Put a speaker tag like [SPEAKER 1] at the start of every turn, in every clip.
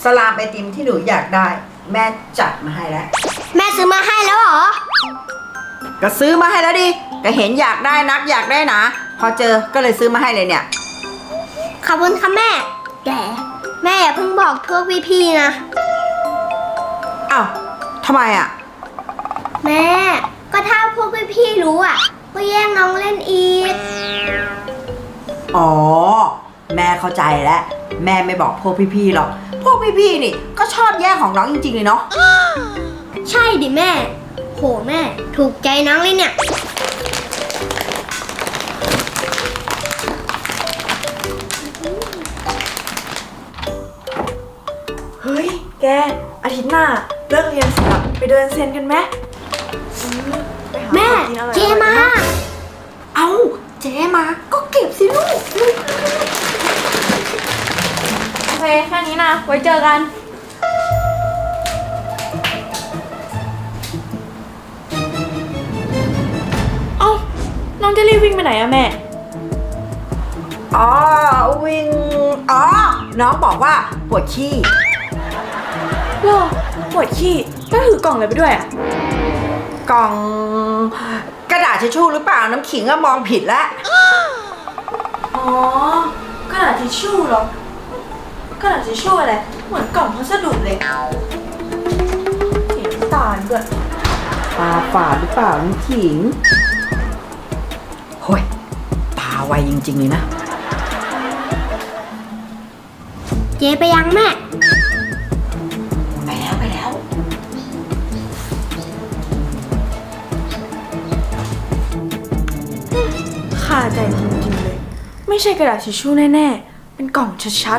[SPEAKER 1] สลามไอติมที่หนูอยากได้แม่จัดมาให้แล้ว
[SPEAKER 2] แม่ซื้อมาให้แล้วเหรอ
[SPEAKER 1] ก็ซื้อมาให้แล้วดิก็เห็นอยากได้นักอยากได้นะพอเจอก็เลยซื้อมาให้เลยเนี่ย
[SPEAKER 2] ขอบคุณค่ะแม่แต่แม่อย่าเพิ่งบอกพวกพี่ๆนะ
[SPEAKER 1] อ้าวทำไมอ่ะ
[SPEAKER 2] แม่ก็ถ้าพวกพี่ๆรู้อ่ะก็แย่งน้องเล่นอีก
[SPEAKER 1] อ๋อแม่เข้าใจแล้วแม่ไม่บอกพวกพี่ๆหรอกพวกพี่ๆนี่ก็ชอบแย่งของน้องจริงๆเลยเนาะ
[SPEAKER 2] ใช่ดิแม่โหแม่ถูกใจน้องเลยเนี่ย
[SPEAKER 3] เฮ้ยแกอาทิตย์หน้าเลิกเรียนเสร็จไปเดินเซ็นกันไหม
[SPEAKER 2] แม่เจมา
[SPEAKER 1] เอาเจมาก็เก็บสิลูก
[SPEAKER 3] โอเคแค่นี้นะไว้เจอกันเอ้าน้องจะรีบวิ่งไปไหนอะแม่
[SPEAKER 1] อ๋อวิ่งอ๋อน้องบอกว่าปวดขี้
[SPEAKER 3] หรอปวดขี้ก็ถือกล่องอะไรไปด้วยอะ
[SPEAKER 1] กล่องกระดาษทิชชู่หรือเปล่าน้ำขิงก็มองผิดแล้ว
[SPEAKER 3] อ๋อกระดาษทิชชู่เหรอกระดาษทิชชู่อะไรเหมือนกล่องพัสดุเลยเห็นตาด้วย
[SPEAKER 1] ตาฝาดหรือเปล่าน้ำขิงโฮ้ยตาไวจริงๆเลยนะ
[SPEAKER 2] เจไปยังแม่
[SPEAKER 1] ไปแล้ว
[SPEAKER 3] ขาใจจริงๆเลยไม่ใช่กระดาษทิชชู่แน่ๆเป็นกล่องชัด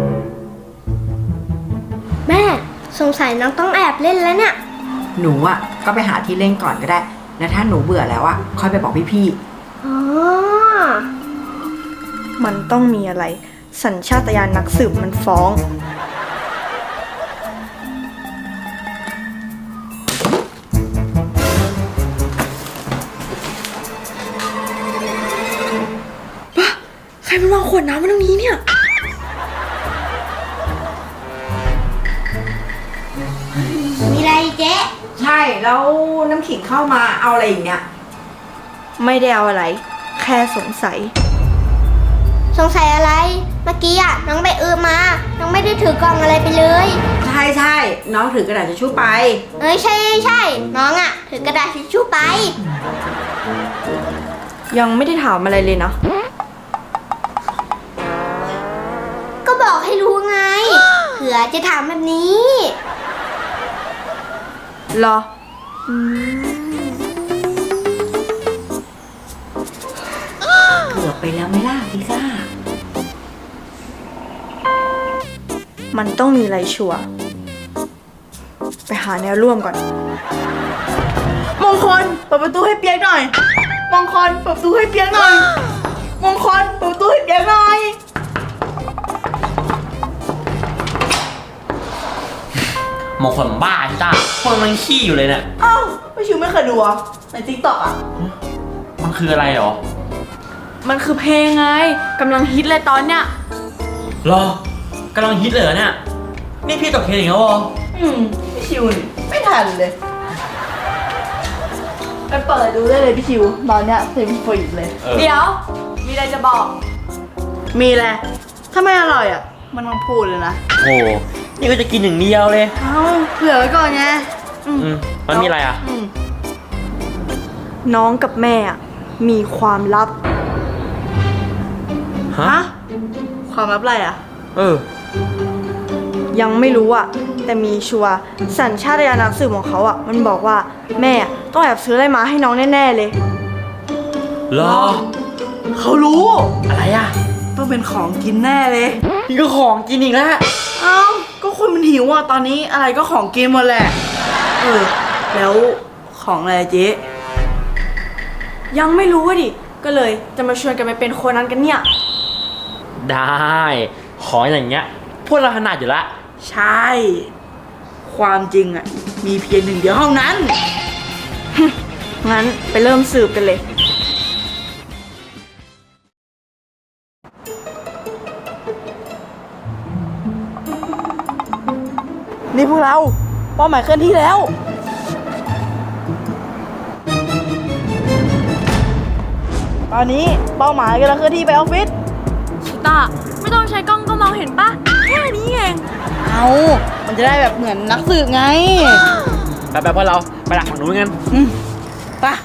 [SPEAKER 2] แม่สงสัยน้องต้องแอบเล่นแล้วเนี่ย
[SPEAKER 1] หนูอ่ะก็ไปหาที่เล่นก่อนก็ได้แล้วถ้าหนูเบื่อแล้วอ่ะค่อยไปบอกพี่
[SPEAKER 2] ๆอ๋อ
[SPEAKER 3] มันต้องมีอะไรสัญชาตญาณนักสืบมันฟ้องใครมันวางขวดน้ำไว้ตรงนี้เนี่ย
[SPEAKER 2] มีอะไรเจ๊
[SPEAKER 1] ใช่แล้วน้ำขิงเข้ามาเอาอะไรอีกเนี่ย
[SPEAKER 3] ไม่ได้เอาอะไรแค่สงสัย
[SPEAKER 2] อะไรเมื่อกี้อ่ะน้องไปมาน้องไม่ได้ถือกล่องอะไรไปเลย
[SPEAKER 1] ใช่น้องถือกระดาษทิชชู่ไป
[SPEAKER 2] ใช่น้องอ่ะถือกระดาษทิชชู่ไป
[SPEAKER 3] ยังไม่ได้ถามอะไรเลยนะ
[SPEAKER 2] ก็บอกให้รู้ไงเผื่อจะถามแบบนี้
[SPEAKER 3] หรอ
[SPEAKER 1] เกือบไปแล้วไม่ล่ะพิซ่า
[SPEAKER 3] มันต้องมีอะไรชัวร์ไปหาแนวร่วมก่อนมงคลเปิดประตูให้เปียกหน่อยมงคลเปิดประตูให้เปียกหน่อยมงคลเปิดประตูให้เปียกหน่อย
[SPEAKER 4] มงคลบ้าจ้าคนมันขี้อยู่เลยเนี่ย
[SPEAKER 3] เอ้าไม่ชิวไม่เคยดูอ่ะในติ๊กต็อกอ่ะ
[SPEAKER 4] มันคืออะไรหรอ
[SPEAKER 3] มันคือเพลงไงกำลังฮิตเลยตอนเนี้ย
[SPEAKER 4] รอกำลังฮิตเลยเหรอเนี่ยนี่พี่ตกเพลงแล้วเหรอ
[SPEAKER 3] พี่ชิวไม่ทันเลยไปเปิดดูได้เลยพี่ชิวตอนเนี้ยเพลงฟรีเลยเดี๋ยวมีอะไรจะบอกมีอะไรถ้าไม่อร่อยอ่ะมันต้องพูดเลยนะ
[SPEAKER 4] โอ้นี่ก็จะกินอย่างเดียวเลย
[SPEAKER 3] เอ้าเผื่อไว้ก่อนไง
[SPEAKER 4] มันมีอะไรอ่ะ
[SPEAKER 3] น้องกับแม่มีความลับ
[SPEAKER 4] ฮะ
[SPEAKER 3] ความลับอะไรอ่ะยังไม่รู้อ่ะแต่มีชัวร์สัญชาตญาณนักสืบของเขาอ่ะมันบอกว่าแม่ต้องแอบซื้ออะไรมาให้น้องแน่ๆเลย
[SPEAKER 4] หรอ
[SPEAKER 3] เขารู้
[SPEAKER 4] อะไรอ่ะ
[SPEAKER 3] ต้องเป็นของกินแน่เลย
[SPEAKER 4] นี่ก็ของกินอีกแล้ว
[SPEAKER 3] เอ้าก็คนมันหิวอ่ะตอนนี้อะไรก็ของกินหมดแหละแล้วของอะไรเจ๊ยังไม่รู้อ่ะดิก็เลยจะมาชวนกันไปเป็นโคนันกันเนี่ย
[SPEAKER 4] ได้ของอย่างเงี้ยพวกเราถนัดอยู่ละ
[SPEAKER 3] ใช่ความจริงอ่ะมีเพียงหนึ่งเดียวเท่านั้นงั้นไปเริ่มสืบกันเลยนี่พวกเราเป้าหมายเคลื่อนที่แล้ว ตอนนี้เป้าหมายกำลังเคลื่อนที่ไปออฟฟิศ
[SPEAKER 5] ชิต้าไม่ต้องใช้กล้องก็มองเห็นปะแค่นี้เอง
[SPEAKER 3] เอามันจะได้แบบเหมือนนักสืบไง
[SPEAKER 4] แบบพวกเราไปดักฝั่งนู้นกัน
[SPEAKER 3] ไปะ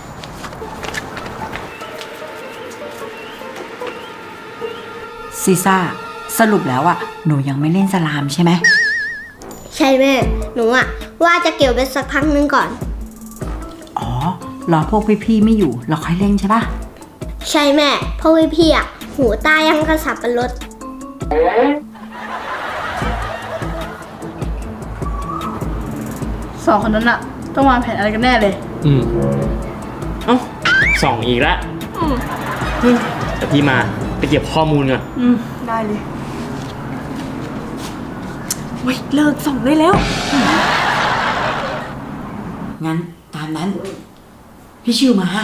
[SPEAKER 1] ซีซ่าสรุปแล้วอ่ะหนูยังไม่เล่นสลามใช่ไหม
[SPEAKER 2] ใช่แม่ หนูอะว่าจะเก็บไว้สักพักนึงก่อน
[SPEAKER 1] อ๋อรอพวกพี่ๆไม่อยู่เราค่อยเล่นใช่ปะ
[SPEAKER 2] ใช่แม่เพราะว่าพี่อะหูตายังกระสับกระรด
[SPEAKER 3] สองคนนั้นอะต้องวางแผนอะไรกันแน่เลย
[SPEAKER 4] เอ้าส่องอีกแล้วเดี๋ยวพี่มาไปเก็บข้อมูลก่อน
[SPEAKER 3] ได้เลย
[SPEAKER 5] เฮ้ยเลิกส่องได้แล้ว
[SPEAKER 1] งั้นตามนั้น พี่ชิวมา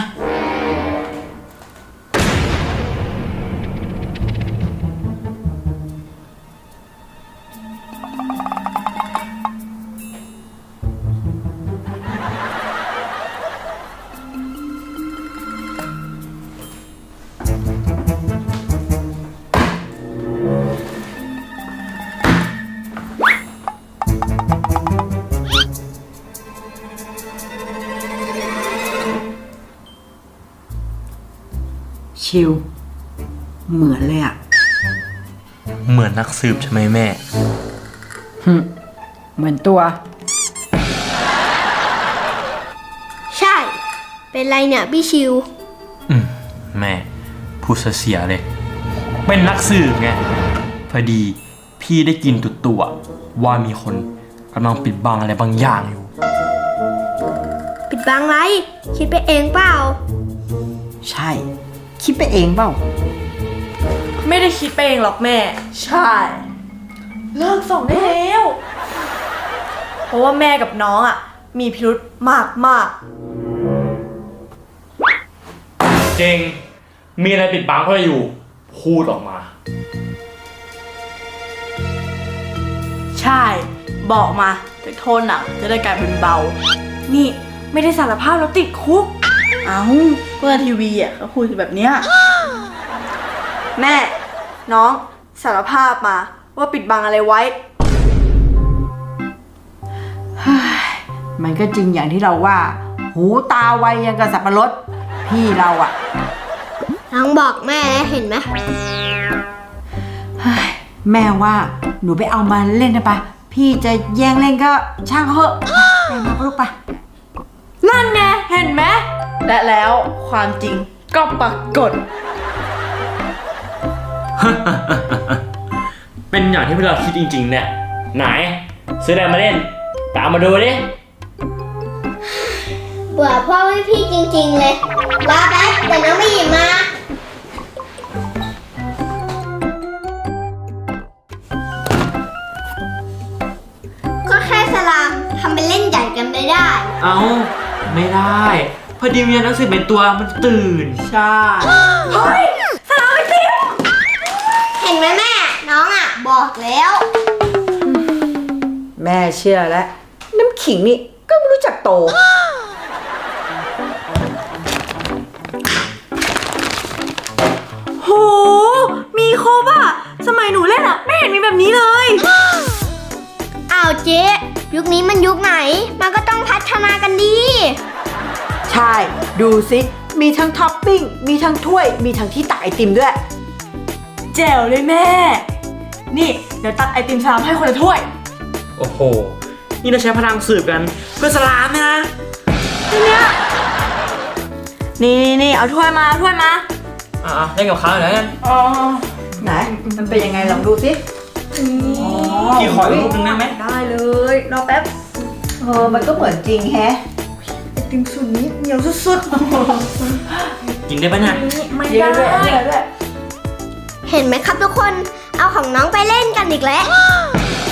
[SPEAKER 1] ชิวเหมือนเลยอ่ะ
[SPEAKER 4] เหมือนนักสืบใช่ไหมแม่
[SPEAKER 1] เหมือนตัว
[SPEAKER 2] ใช่ เป็นไรเนี่ยพี่ชิว
[SPEAKER 4] แม่พูดเสียเลย เป็นนักสืบไง พอดีพี่ได้กินตัวว่ามีคนกำลังปิดบังอะไรบางอย่างอยู่
[SPEAKER 2] ปิดบังไร คิดไปเองเปล่า
[SPEAKER 1] ใช่ คิดไปเองเปล่า
[SPEAKER 5] ไม่ได้คิดไปเองหรอกแม่
[SPEAKER 3] ใช่
[SPEAKER 5] เลิกส่องได้แล้ว เพราะว่าแม่กับน้องอ่ะ มีพิรุธมากมาก
[SPEAKER 4] เก่งมีอะไรปิดบังเขาอยู่ พูดออกมา
[SPEAKER 3] ใช่ บอกมาจากโทษหนักจะได้กลายเป็นเบา
[SPEAKER 5] ๆนี่ไม่ได้สารภาพแล้วติดคุก
[SPEAKER 3] เอาเพื่อทีวีเขาคุยแบบเนี้ย
[SPEAKER 5] แม่ น้องสารภาพมาว่าปิดบังอะไรไว้
[SPEAKER 1] มันก็จริงอย่างที่เราว่า หูตาไวยังกับสับปะรดพี่เราอ่ะ
[SPEAKER 2] ลองบอกแม่แล้วเห็นไหม
[SPEAKER 1] แม่ว่าหนูไปเอามาเล่นนะปะพี่จะแย่งเล่นก็ช่างเขาเถอะไปมาลูกปะ
[SPEAKER 5] นั่นไงเห็นไหม
[SPEAKER 3] และแล้วความจริงก็ปรากฏ
[SPEAKER 4] เป็นอย่างที่พวกเราคิดจริงๆเนี่ย ไหน ซื้ออะไรมาเล่น ตามมาดูดิ
[SPEAKER 2] เบื่อพ่อพี่จริงๆเลยรอแป๊บเดี๋ยวน้องไปหยิบมา ก็แค่สลามทำเป็นเล่นใหญ่กันไม่ได้
[SPEAKER 4] เอาไม่ได้ พอดีมีนักสืบเป็นตัวมันตื่น
[SPEAKER 3] ใช่
[SPEAKER 2] เห็นไหมแม่ น้องอ่ะ บอกแล้ว
[SPEAKER 1] แม่เชื่อแล้ว น้ำขิงนี่ก็ไม่รู้จักโต
[SPEAKER 5] โห มีครบอ่ะ สมัยหนูเล่นอ่ะ ไม่เห็นมีแบบนี้เลย
[SPEAKER 2] อ้าวเจ๊ยุคนี้มันยุคไหน มันก็ต้องพัฒนากันดี
[SPEAKER 1] ใช่ ดูสิ มีทั้งท็อปปิ้ง มีทั้งถ้วย มีทั้งที่ตักไอติมด้วย
[SPEAKER 5] แจ๋วเลยแม่ นี่ เดี๋ยวตักไอติมสลามให้คนละถ้วย
[SPEAKER 4] โอ้โห นี่เราใช้พลังสืบกันเพื่อสลามนะ
[SPEAKER 5] นี่เอาถ้วยมาเอาถ้วยมา
[SPEAKER 4] เล่นกับเขาหน่อยกัน
[SPEAKER 3] อ๋อ
[SPEAKER 1] ไหน มันเป็นยังไงลองดูสิ
[SPEAKER 4] พี่ขออีกรูปหนึงได้ไหม
[SPEAKER 5] ได้เลย รอแป๊บ
[SPEAKER 1] มันก็เหมือนจริงแฮะ
[SPEAKER 5] ไอติมสูตรนี้เหนียวสุด
[SPEAKER 4] กินได้ปะเนี่ย
[SPEAKER 5] ๆนี่ไม่
[SPEAKER 3] เย
[SPEAKER 5] ได้
[SPEAKER 3] อะด้วยเยอะด้วย
[SPEAKER 2] เห็นไหมครับทุกคน เอาของน้องไปเล่นกันอีกแล้ว